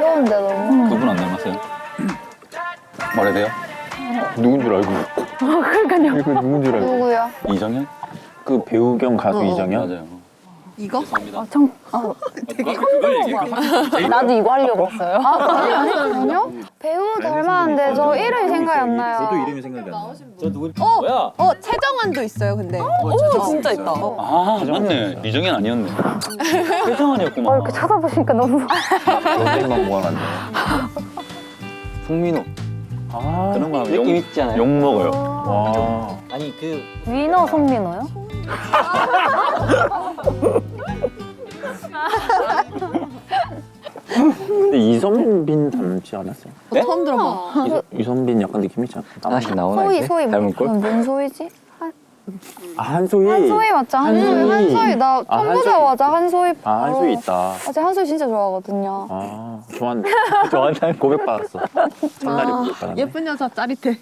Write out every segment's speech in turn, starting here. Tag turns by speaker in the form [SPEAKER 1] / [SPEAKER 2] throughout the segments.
[SPEAKER 1] 귀여운데 너무.
[SPEAKER 2] 그분 안 닮았어요? 말해도 돼요? 누군 줄 알고.
[SPEAKER 1] 그러니까요.
[SPEAKER 2] 이거 누군 줄 알고.
[SPEAKER 1] 누구야?
[SPEAKER 2] 이정현?
[SPEAKER 3] 그 배우 겸 가수 이정현?
[SPEAKER 2] 맞아요.
[SPEAKER 4] 이거?
[SPEAKER 2] 죄송합니다.
[SPEAKER 5] 그걸 얘기해.
[SPEAKER 1] 나도 이거 하려고 했어요. 아니요? 배우 닮았는데 저 이름이 생각이 안 나요.
[SPEAKER 5] 저도 이름이 생각이 안 나. 저 누구?
[SPEAKER 2] 뭐야?
[SPEAKER 4] 최정환도 있어요, 근데.
[SPEAKER 6] 진짜 있다.
[SPEAKER 2] 아, 맞네. 이정현 아니었네. 최정환이었구만.
[SPEAKER 1] 이렇게 쳐다보시니까 너무.
[SPEAKER 3] 연예인만 모아놨네.
[SPEAKER 2] 송민호.
[SPEAKER 3] 아,
[SPEAKER 2] 그런 거 하면
[SPEAKER 3] 느낌 있지 않아요?
[SPEAKER 2] 욕 먹어요.
[SPEAKER 3] 와.
[SPEAKER 5] 아니 그
[SPEAKER 1] 위너 송민호요?
[SPEAKER 3] 근데 이선빈 닮지 않았어요?
[SPEAKER 4] 처음 들어봐.
[SPEAKER 3] 이선빈 약간 느낌 있지 않아요?
[SPEAKER 7] 하나씩 나오나
[SPEAKER 1] 소희
[SPEAKER 7] 이제?
[SPEAKER 1] 소희
[SPEAKER 7] 닮은 꼴?
[SPEAKER 1] 뭔 소희지?
[SPEAKER 3] 아, 한소희.
[SPEAKER 1] 한소희 맞죠? 한소희 나
[SPEAKER 3] 아,
[SPEAKER 1] 처음
[SPEAKER 3] 한소희.
[SPEAKER 1] 보자마자 한소희
[SPEAKER 3] 아,
[SPEAKER 1] 바로.
[SPEAKER 3] 한소희 있다.
[SPEAKER 1] 아, 제가 한소희 진짜 좋아하거든요.
[SPEAKER 3] 아, 좋아한다. 고백받았어. 첫날에 고백받았네.
[SPEAKER 4] 예쁜 여자 짜릿해.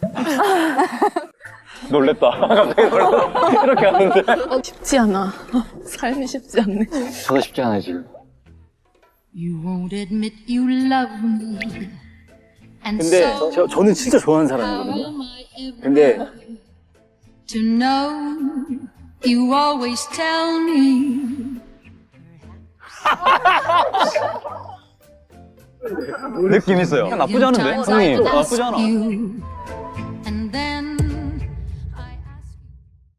[SPEAKER 2] 놀랬다. 갑자기 놀랬다. 이렇게 하는데.
[SPEAKER 4] 쉽지 않아. 삶이 쉽지 않네.
[SPEAKER 7] 저도 쉽지 않아요 지금.
[SPEAKER 8] You won't admit you love me. And
[SPEAKER 5] 근데
[SPEAKER 8] so
[SPEAKER 5] 저는 진짜 좋아하는 사람이거든요. 근데
[SPEAKER 8] to know you always tell me.
[SPEAKER 2] 느낌 있어요. 나쁘지 않은데?
[SPEAKER 8] Times I
[SPEAKER 2] 형님, 나쁘지
[SPEAKER 8] ask
[SPEAKER 2] 않아.
[SPEAKER 8] you,